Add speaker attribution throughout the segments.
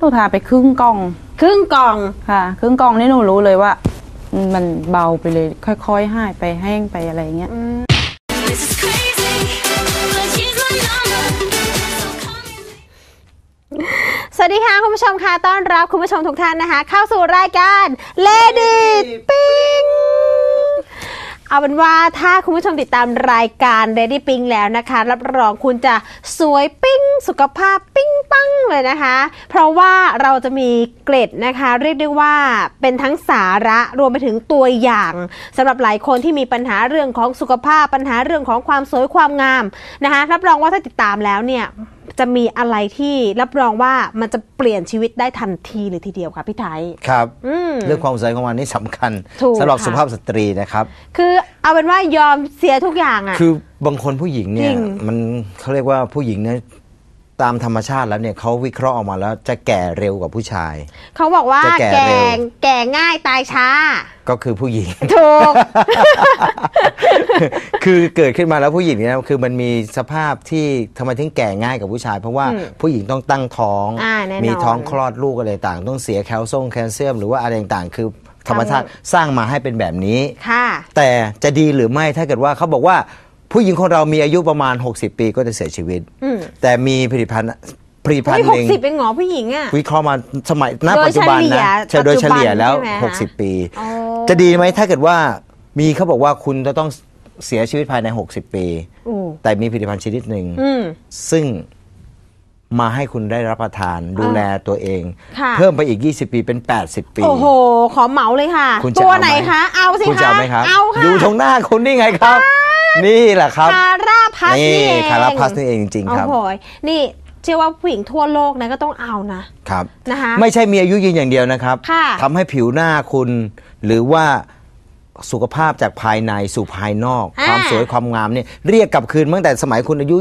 Speaker 1: ทาไปครึ่งกล่องค่ะครึ่งกล่องนี่หนูรู้เลยว่ามันเบาไปเลยค่อยๆหายไปแห้งไปอะไรเงี้ย
Speaker 2: สวัสดีค่ะคุณผู้ชมค่ะต้อนรับคุณผู้ชมทุกท่านนะคะเข้าสู่รายการ Lady Pink เอาเป็นว่าถ้าคุณผู้ชมติดตามรายการ Lady Pink แล้วนะคะรับรองคุณจะสวยปิ้งสุขภาพปิ้งปังเลยนะคะเพราะว่าเราจะมีเกร็ดนะคะเรียกได้ว่าเป็นทั้งสาระรวมไปถึงตัวอย่างสำหรับหลายคนที่มีปัญหาเรื่องของสุขภาพปัญหาเรื่องของความสวยความงามนะคะรับรองว่าถ้าติดตามแล้วเนี่ยจะมีอะไรที่รับรองว่ามันจะเปลี่ยนชีวิตได้ทันทีเลยทีเดียวค่ะพี่ไทย
Speaker 3: ครับเรื่องความสวยของมันนี่สำคัญสำหรับสุภาพสตรีนะครับ
Speaker 2: คือเอาเป็นว่ายอมเสียทุกอย่างอ่ะ
Speaker 3: คือบางคนผู้หญิงเนี่ยมันเขาเรียกว่าผู้หญิงเนี่ยตามธรรมชาติแล้วเนี่ยเขาวิเคราะห์ออกมาแล้วจะแก่เร็วกว่าผู้ชาย
Speaker 2: เขาบอกว่าแก่ง่ายตายช้า
Speaker 3: ก็คือผู้หญิง
Speaker 2: ถูก
Speaker 3: คือเกิดขึ้นมาแล้วผู้หญิงเนี่ยคือมันมีสภาพที่ทำไมถึงแก่ง่ายกว่าผู้ชายเพราะว่าผู้หญิงต้องตั้งท้องมีท้องคลอดลูกอะไรต่างต้องเสียแคลเซียมหรือว่าอะไรต่างคือธรรมชาติสร้างมาให้เป็นแบบนี้แต่จะดีหรือไม่ถ้าเกิดว่าเขาบอกว่าผู้หญิงของเรามีอายุประมาณ60 ปีก็จะเสียชีวิตแต่มีผลิตภัณฑ์หนึ่ง
Speaker 2: 60เป็นหงอผู้หญิงอ่ะ
Speaker 3: วิเคราะห์มาสมัยณปัจจุบันนะโดยเฉลี่ยแล้ว60 ปีจะดีไหมถ้าเกิดว่ามีเขาบอกว่าคุณจะต้องเสียชีวิตภายใน60 ปีแต่มีผลิตภัณฑ์ชนิดหนึ่งซึ่งมาให้คุณได้รับประทานดูแลตัวเองเพิ่มไปอีก20 ปีเป็น80 ปี
Speaker 2: โอ้โหขอเหมาเลยค่ะตัวไหนคะเอาสิคะ
Speaker 3: คุณจะเอาไหมครับ
Speaker 2: เอาค่ะ
Speaker 3: อยู่ตรงหน้าคุณนี่ไงครับนี่แหละครับ
Speaker 2: คาราพัสนี่เอง
Speaker 3: คาราพัสนี่เองจริงๆครับ
Speaker 2: โอ้โหนี่เชื่อว่าผู้หญิงทั่วโลกนะก็ต้องเอา
Speaker 3: นะครับ
Speaker 2: นะคะ
Speaker 3: ไม่ใช่มีอายุยืนอย่างเดียวนะครับทำให้ผิวหน้าคุณหรือว่าสุขภาพจากภายในสู่ภายนอกความสวยความงามเนี่ยเรียกกลับคืนตั้งแต่สมัยคุณอายุ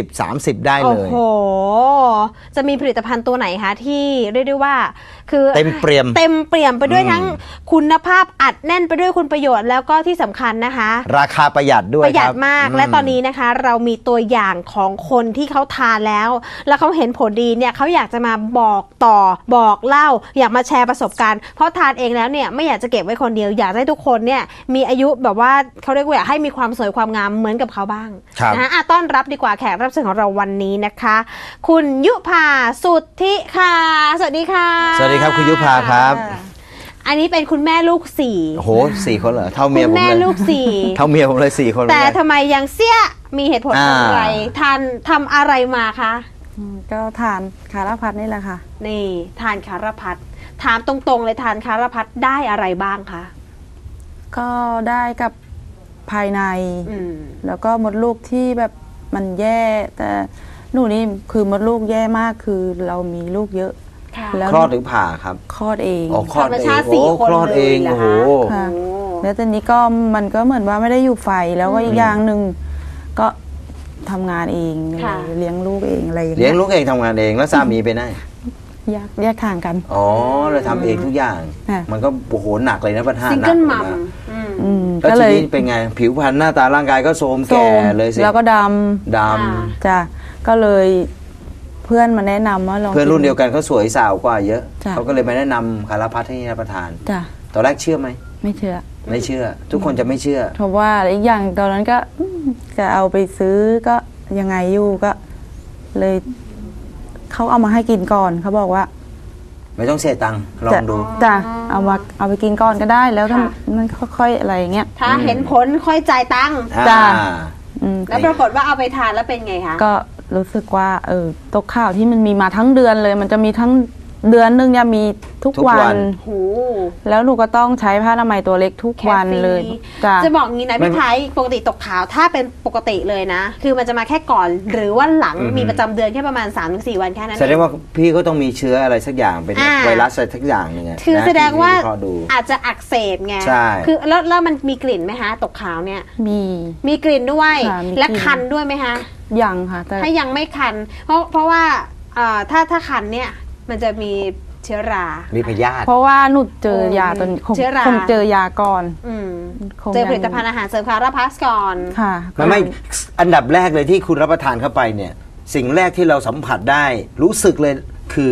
Speaker 3: 20-30ได้เลย
Speaker 2: โอ้โหจะมีผลิตภัณฑ์ตัวไหนคะที่เรียกได้ว่าคือ
Speaker 3: เต็มเปี่ย
Speaker 2: มไปด้วยทั้งคุณภาพอัดแน่นไปด้วยคุณประโยชน์แล้วก็ที่สำคัญนะคะ
Speaker 3: ราคาประหยัดด้วย
Speaker 2: ประหยัดมากและตอนนี้นะคะเรามีตัวอย่างของคนที่เขาทานแล้วเขาเห็นผลดีเนี่ยเขาอยากจะมาบอกต่อบอกเล่าอยากมาแชร์ประสบการณ์เพราะทานเองแล้วเนี่ยไม่อยากจะเก็บไว้คนเดียวอยากให้ทุกคนเนี่ยมีอายุแบบว่าเขาเรียกว่าอยากให้มีความสวยความงามเหมือนกับเขาบ้างนะต้อนรับดีกว่าแขกรับเชิญของเราวันนี้นะคะคุณยุภาสุทธิค่ะสวัสดีค่ะ
Speaker 3: สวัสดีครับคุณยุภาครับ
Speaker 2: อันนี้เป็นคุณแม่ลูก4
Speaker 3: โอ้โห4 คนเหรอเท่าเมียผมเลย
Speaker 2: คุณแม่ลูก4
Speaker 3: เท่าเมียผมเลย4 คน
Speaker 2: แต่ทำไมยังเสี้ยมีเหตุผลอะไรทำอะไรมาคะ
Speaker 1: ก็ทานคาราพัสนี่แหละค่ะ
Speaker 2: นี่ทานคาราพัสถามตรงๆเลยทานคาราพัสได้อะไรบ้างคะ
Speaker 1: ก็ได้กับภายในแล้วก็มดลูกที่แบบมันแย่แต่หนูนี่คือมดลูกแย่มากคือเรามีลูกเยอะ
Speaker 3: คลอดหรือผ่าครับ
Speaker 1: คลอดเอง
Speaker 3: คลอดเองคลอดเองโอ้โห
Speaker 1: แล้วตอนนี้ก็มันก็เหมือนว่าไม่ได้อยู่ไฟแล้วก็อีกอย่างหนึ่งก็ทำงานเองเลี้ยงลูกเองอะไร
Speaker 3: เลี้ยงลูกเองทำงานเองแล้วสามีไปไหน
Speaker 1: แยกทางกัน
Speaker 3: อ๋อเราทำเองทุกอย่างมันก็โอ้โหหนักเลยนะประธาน
Speaker 2: ซิงเกิลมัม
Speaker 3: แล้วทีนี้เป็นไงผิวพรรณหน้าตาร่างกายก็โทรมแก่เลยสิ
Speaker 1: แล้วก็ดำจ้ะก็เลยเพื่อนมาแนะนำว่าลอง
Speaker 3: เพื่อนรุ่นเดียวกันเขาสวยสาวกว่าเยอะเขาก็เลยมาแนะนำคาราพัสให้รับประทาน
Speaker 1: จ้ะ
Speaker 3: ตอนแรกเชื่อไหม
Speaker 1: ไม่เชื่อ
Speaker 3: ทุกคนจะไม่เชื่อ
Speaker 1: เพราะว่าอีกอย่างตอนนั้นก็จะเอาไปซื้อก็ยังไงอยู่ก็เลยเขาเอามาให้กินก่อนเขาบอกว่า
Speaker 3: ไม่ต้องเสียตังค์ลองดู
Speaker 1: จ้ะเอาไปกินก่อนก็ได้แล้วถ้ามันค่อยๆอะไรเงี้ย
Speaker 2: ถ้าเห็นผลค่อยจ่ายตังค์
Speaker 1: จ้ะ
Speaker 2: แล้วปรากฏว่าเอาไปทานแล้วเป็นไงคะ
Speaker 1: ก็รู้สึกว่าตกข่าวที่มันมีมาทั้งเดือนเลยมันจะมีทั้งเดือนนึงจะมีทุกวันแล้วหนูก็ต้องใช้ผ้าอนามัยตัวเล็กทุกวันเลย
Speaker 2: จะบอกงี้นะพี่ไทยปกติตกขาวถ้าเป็นปกติเลยนะคือมันจะมาแค่ก่อนหรือว่าหลังมีประจำเดือนแค่ประมาณ 3-4 วันแค่นั้น
Speaker 3: แสดงว่าพี่ก็ต้องมีเชื้ออะไรสักอย่างเป็นไวรัสอะไรสักอย่างนึง
Speaker 2: คือแสดงว่าอาจจะอักเสบไงคือแล้วมันมีกลิ่นไหมคะตกขาวเนี่ยมีกลิ่นด้วยและคันด้วยไหมคะ
Speaker 1: ยังค่ะ
Speaker 2: ถ้ายังไม่คันเพราะว่าถ้าคันเนี่ยมันจะมีเชื้อรา
Speaker 3: มีพยาธิ
Speaker 1: เพราะว่าหนูเจอยาตอนคงเจอยาก่อน
Speaker 2: เจอผลิตภัณฑ์อาหารเสริมคาราพัสก่อน
Speaker 1: ค่ะ
Speaker 3: ไม่อันดับแรกเลยที่คุณรับประทานเข้าไปเนี่ยสิ่งแรกที่เราสัมผัสได้รู้สึกเลยคือ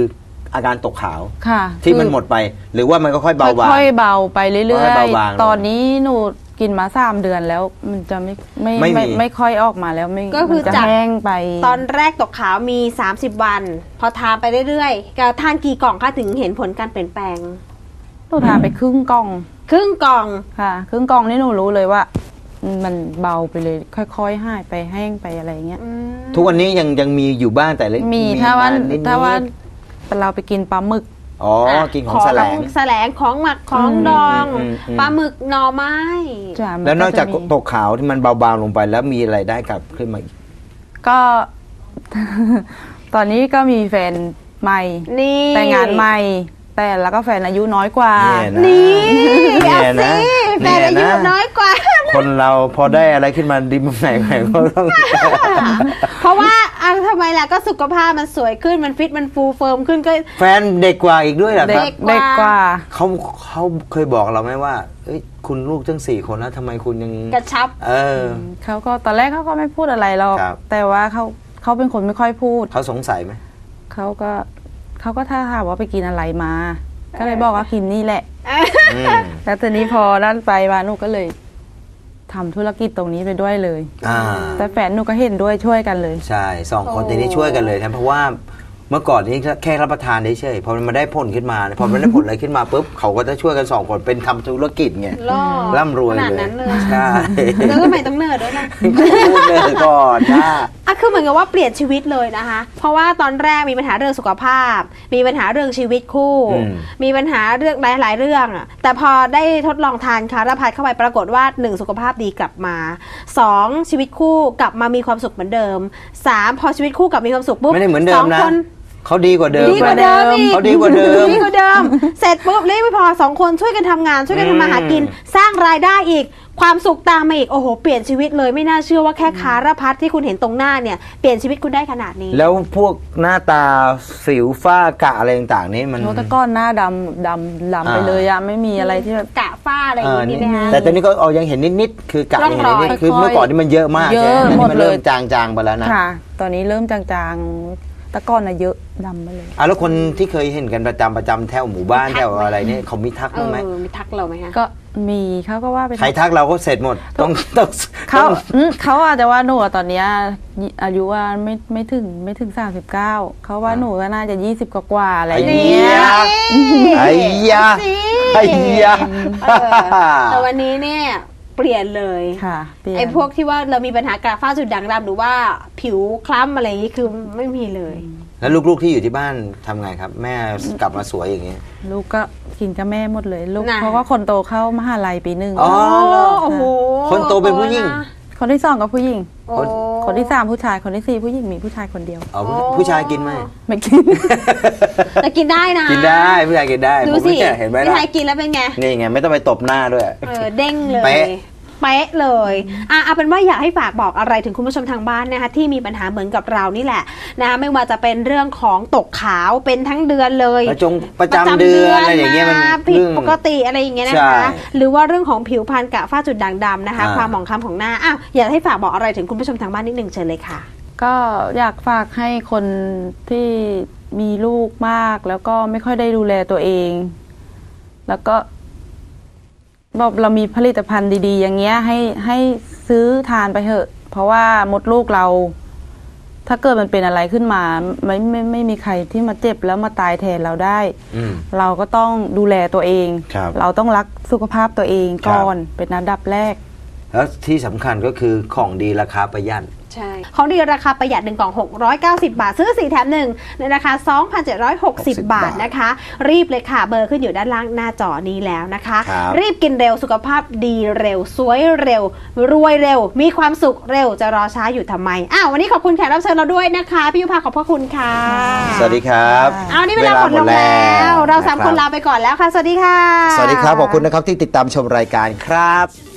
Speaker 3: อาการตกขาว
Speaker 1: ค่ะ
Speaker 3: ที่มันหมดไป หรือว่ามันก็ค่อยเบาบาง
Speaker 1: ค่อยๆเบาไปเรื่
Speaker 3: ค่
Speaker 1: อ
Speaker 3: อย
Speaker 1: ย
Speaker 3: ๆเบาบาง
Speaker 1: ๆ ตอนนี้หนูกินมา3 เดือนแล้วมันจะไม่ค่อยออกมาแล้ว
Speaker 2: ก็คือ
Speaker 1: จะ
Speaker 2: จาก
Speaker 1: แห้งไป
Speaker 2: ตอนแรกตกขาวมี30 วัน พอทานไปเรื่อยๆก็ทานกี่กล่องคะถึงเห็นผลการเปลี่ยนแปลง
Speaker 1: หนูทานไปครึ่งกล่อง
Speaker 2: ครึ่งกล่อง
Speaker 1: ค่ะครึ่งกล่องนี่หนูรู้เลยว่า มันเบาไปเลยค่อยๆหายไปแห้งไปอะไรเงี้ย
Speaker 3: ทุกวันนี้ยังมีอยู่บ้างแต่เล็ก
Speaker 1: มีถ้าว่า
Speaker 3: นิดๆ
Speaker 1: เราไปกินปลาหมึก
Speaker 3: อ๋อกินของแสลง
Speaker 2: แสลงของหมักของดอง ปลาหมึกหน่อไม้
Speaker 1: จ้ะมั
Speaker 3: แล้วนอกจาก
Speaker 1: จะมี
Speaker 3: ตกขาวที่มันเบาบางลงไปแล้วมีอะไรได้กลับขึ้นมาอีก
Speaker 1: ก็ ตอนนี้ก็มีแฟนใหม่
Speaker 2: นี่
Speaker 1: แต่งงานใหม่ แต่แล้วก็แฟนอายุน้อยกว่า
Speaker 3: เนี่ย
Speaker 2: นี่
Speaker 3: นะ
Speaker 2: เอาสิแฟนอายุน้อยกว่า
Speaker 3: คนเราพอได้อะไรขึ้นมาดีมันไหนก็ต้อง
Speaker 2: เพราะว่าทำไมล่ะก็สุขภาพมันสวยขึ้นมันฟิตมันฟูเฟิร์มขึ้นก็
Speaker 3: แฟนเด็กกว่าอีกด้วยเหรอครับ
Speaker 1: เด็กกว่า
Speaker 3: เขาเคยบอกเราไหมว่าเอ้ยคุณลูกตั้ง4 คนแล้วทำไมคุณยัง
Speaker 2: กระชับ
Speaker 1: เขาก็ตอนแรกเขาก็ไม่พูดอะไรหรอก
Speaker 3: ครับ
Speaker 1: แต่ว่าเขาเป็นคนไม่ค่อยพูด
Speaker 3: เขาสงสัยไหม
Speaker 1: เขาก็ถ้าถามว่าไปกินอะไรมา ก็เลยบอกว่ากินนี่แหละ
Speaker 3: อืม
Speaker 1: แล้วทีนี้พอนั่นไปมาหนูก็เลยทำธุรกิจตรงนี้ไปด้วยเลย
Speaker 3: อ่า
Speaker 1: แต่แฟนหนูก็เห็นด้วยช่วยกันเลย
Speaker 3: ใช่2 คนทีนี้ช่วยกันเลยนะเพราะว่าเมื่อก่อนนี้แค่รับประทานเฉยๆพอมันมาได้ผลขึ้นมาพอมันได้ผลอะไรขึ้นมาปุ๊บเขาก็จะช่วยกัน2 คนเป็นทำธุรกิจไง
Speaker 2: ล่อ
Speaker 3: ร่ำรวย
Speaker 2: ขนาด
Speaker 3: เลย
Speaker 2: นั้นเลย
Speaker 3: ใช่
Speaker 2: แล้วก็ไม่ต้องเนิร์ดด้วยนะ
Speaker 3: พูดเลยก่อนนะ
Speaker 2: คือเหมือนกับว่าเปลี่ยนชีวิตเลยนะคะ เพราะว่าตอนแรกมีปัญหาเรื่องสุขภาพ มีปัญหาเรื่องชีวิตคู่ มีปัญหาเรื่องหลายๆเรื่องอะแต่พอได้ทดลองทานคาราพัดเข้าไปปรากฏว่า1สุขภาพดีกลับมา2ชีวิตคู่กลับมามีความสุขเหมือนเดิม3พอชีวิตคู่กลับมีความสุขปุ๊บ
Speaker 3: ไม่ได้เหมือนเดิมนะ
Speaker 2: 2 คน
Speaker 3: เขาดีกว่าเดิม
Speaker 2: ดีกว่าเดิมอีก
Speaker 3: เขาดีกว่าเดิม
Speaker 2: ดีกว่าเดิม เสร็จปุ๊บเลยไม่พอ2 คนช่วยกันทำงานช่วยกันทำมาหากิน สร้างรายได้อีก ความสุขตามมาอีกโอ้โหเปลี่ยนชีวิตเลยไม่น่าเชื่อว่าแค่คาราพัดที่คุณเห็นตรงหน้าเนี่ยเปลี่ยนชีวิตคุณได้ขนาดนี้
Speaker 3: แล้วพวกหน้าตาสิวฝ้ากระอะไรต่างๆนี่มัน
Speaker 1: โนตะก้อนหน้าดำไปเลยอะไม่มีอะไรที่แบบ
Speaker 2: กะฝ้าอะไรอย่างนี้ไหมคะ
Speaker 3: แต่ตอนนี้ก็เอายังเห็นนิดๆคือกะยังเห็นนิดๆคือเมื่อก่อนนี่มันเยอะมาก
Speaker 1: เย
Speaker 3: ใช่
Speaker 1: อะ
Speaker 3: ไหม
Speaker 1: หมด
Speaker 3: มัน
Speaker 1: เล
Speaker 3: เริ่
Speaker 1: ย
Speaker 3: มจางๆไปแล้วนะ
Speaker 1: ค่ะ ตอนนี้เริ่มจางๆตะก้อนอะเยอะดำไปเลย
Speaker 3: แล้วคนที่เคยเห็นกันประจำแถวหมู่บ้านแถวอะไรเนี่ยเขามีทักบ้างไหม
Speaker 2: มีทักเราไหมคะ
Speaker 1: ก็มีเขาก็ว่าไป
Speaker 3: ใครทักเราก็เสร็จหมดต้อง
Speaker 1: เขาอาจจะว่าหนูอะตอนเนี้ยอายุว่าไม่ถึง39เขาว่าหนูก็น่าจะ20 กว่าๆอะไรอย่างเงี้ย
Speaker 3: ไอ้ยาไอ้ยา
Speaker 2: แต่วันนี้เนี่ยเปลี่ยนเลย
Speaker 1: ค่ะเปลี่ยน
Speaker 2: ไอ้พวกที่ว่าเรามีปัญหากระฝ้าจุดด่างดำหรือว่าผิวคล้ำอะไรอย่างนี้คือไม่มีเลย
Speaker 3: แล้วลูกๆที่อยู่ที่บ้านทำไงครับ แม่กลับมาสวยอย่างนี้
Speaker 1: ลูกก็กินกับแม่หมดเลยลูก
Speaker 2: น่ะ
Speaker 1: เพราะว่าคนโตเข้ามหาลัยปี 1
Speaker 3: อ๋อ
Speaker 2: โอ้โห
Speaker 3: คนโตเป็นผู้หญิง
Speaker 1: คนที่2ก็ผู้หญิง
Speaker 2: โอ้
Speaker 1: คนที่3ผู้ชายคนที่4ผู้หญิงมีผู้ชายคนเดียว
Speaker 3: เอาผู้ชายกินไหม
Speaker 1: ไม่กิน
Speaker 2: แต่กินได้นะ
Speaker 3: กินได้ผู้ชายกินได้
Speaker 2: ดู
Speaker 3: ผม
Speaker 2: สิ
Speaker 3: เนี่ยเห็นไหม
Speaker 2: พี่
Speaker 3: ล่ะ
Speaker 2: ไทยกินแล้วเป็นไง
Speaker 3: นี่ไงไม่ต้องไปตบหน้าด้วย
Speaker 2: เด้งเลย
Speaker 3: เป๊ะ
Speaker 2: เป๊ะเลยเอาเป็นว่าอยากให้ฝากบอกอะไรถึงคุณผู้ชมทางบ้านนะคะที่มีปัญหาเหมือนกับเรานี่แหละนะคะไม่ว่าจะเป็นเรื่องของตกขาวเป็นทั้งเดือนเลย
Speaker 3: ประจำเดือนอะไรอย่างเงี้ยมัน
Speaker 2: ผิด
Speaker 3: เรื่อง
Speaker 2: ปกติอะไรอย่างเงี้ยนะ
Speaker 3: ใช่
Speaker 2: คะหรือว่าเรื่องของผิวพรรณกระฝ้าจุดด่างดำนะคะ
Speaker 3: อ่า
Speaker 2: ความหมองคล้ำของหน้าอยากให้ฝากบอกอะไรถึงคุณผู้ชมทางบ้านนิดหนึ่งเชิญเลยค่ะ
Speaker 1: ก็อยากฝากให้คนที่มีลูกมากแล้วก็ไม่ค่อยได้ดูแลตัวเอง แล้วก็บอกเรามีผลิตภัณฑ์ดีๆ อย่างเงี้ยให้ซื้อทานไปเถอะ เพราะว่ามดลูกเรา ถ้าเกิดมันเป็นอะไรขึ้นมาไม่มีใครที่มาเจ็บแล้วมาตายแทนเราได้ เราก็ต้องดูแลตัวเอง
Speaker 3: ครับ
Speaker 1: เราต้องรักสุขภาพตัวเองก่อนเป็นอันดับแรก
Speaker 3: แล้วที่สำคัญก็คือของดีราคาประหยัด
Speaker 2: ใช่ของดีราคาประหยัด1 กล่อง 690 บาท ซื้อ4แถม1ในราคา 2,760 บาทนะคะ รีบเลยค่ะเบอร์ขึ้นอยู่ด้านล่างหน้าจอนี้แล้วนะคะ
Speaker 3: ครับ
Speaker 2: รีบกินเร็วสุขภาพดีเร็ว สวยเร็ว รวยเร็ว มีความสุขเร็วจะรอช้าอยู่ทำไมวันนี้ขอบคุณแขกรับเชิญเราด้วยนะคะพี่ยุพาขอบพระคุณค่ะ
Speaker 3: สวัสดีครับ
Speaker 2: นี่เวลาหมดลงแล้วเรา3 คนลาไปก่อนแล้วค่ะสวัสดีค่ะ
Speaker 3: สวัสดีครับขอบคุณนะครับที่ติดตามชมรายการครับ